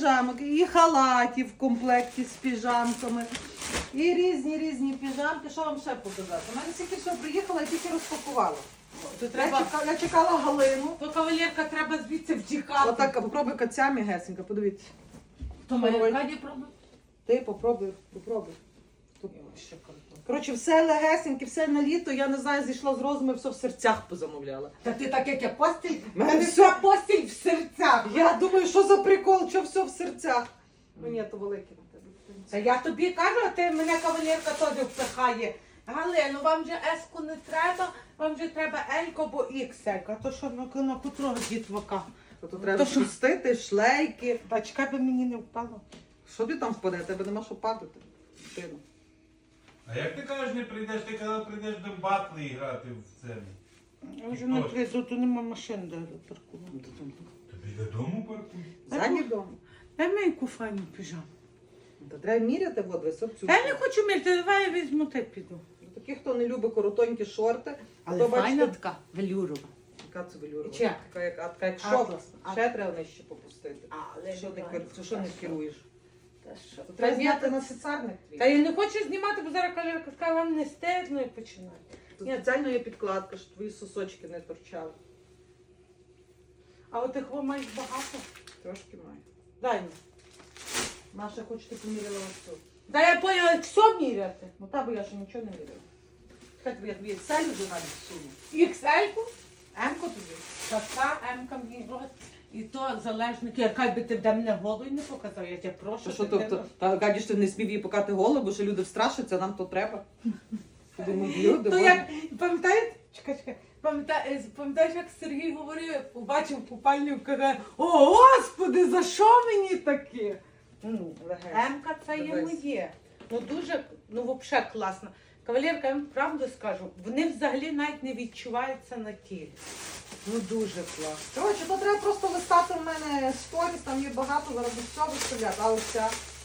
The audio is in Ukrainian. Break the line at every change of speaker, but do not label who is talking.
піжамок, і халатів в комплекті з піжамками, і різні піжамки. Що вам ще показати? У мене тільки все приїхала, я тільки розпакувала. Я чекала Галину.
То кавалерка треба звідси втікати.
Отак, попробуй кацями, гесенька, подивіться.
То моя Каді пробує.
Ти попробуй. Коротше, все легесеньке, все на літо, я не знаю, зійшла з розуму, все в серцях позамовляла.
Та ти так, як я постіль,
Мене
вся постіль в серцях.
Я думаю, що за прикол, що все в серцях. Ну ні, то велике на тебе.
Та я тобі кажу, а ти мене кавалерка теж впихає. Галину, вам же еску не треба, вам же треба елько, бо ікселька. То що на котрого дітвака?
То треба пустити, шлейки.
Та чекай, би мені не впало.
Що ти там впаде? Тебе нема що падати. Дитино.
А як ти кажеш, не прийдеш, ти казав, прийдеш до батли грати в це.
Я вже не прийду, то нема машин, де паркувати.
Тобі додому паркуй.
Задній дом.
Дай мені яку файну піжаму.
Та треба міряти, от весь цю.
Я не хочу мірити, давай я візьму, те піду.
Такі, хто не любить коротонькі шорти,
Але
то
файна
бачите,
така, велюрова.
яка це велюрова.
Чи як?
Така як шов.
Атласна.
Ще треба нижче попустити.
Але
Що не керуєш?
Та що?
То треба зняти на соціальних твій.
Та я не хочу знімати, бо зараз кавалерка скаже, вам не стидно і починає.
Тут спеціально є підкладка, щоб твої сосочки не торчали.
А от їх ви маєш багато.
Трошки маю.
Дай мені.
Маша, хоч ти поміряла ось цю.
Та я поняла, як все міряти.
Ну та, бо я ще нічого не міряла. Хай тобі я тобі селю вже навіть всуну.
XL-ку,
М-ку тобі.
така М-ка мені рот. І то залежно, яка би ти в мене голою не показав, я тебе прошу.
Що
ти
тобто, та гадіш, ти не смів її покати голову, бо що люди встрашаться, нам то треба. Думаю, люди,
То
боже.
як, пам'ятаєте, чекай, пам'ятаєш, як Сергій говорив, як побачив купальню, каже, о, Господи, за що мені таке? Ну, М-ка це є
Дивись.
моє. Ну дуже, ну взагалі класно. Кавалерка, я вам правду скажу, вони взагалі навіть не відчуваються на тілі. Ну дуже класно.
Коротше, то треба просто листати в мене сторіс, там є багато, зараз без цього виставляти, а ось ця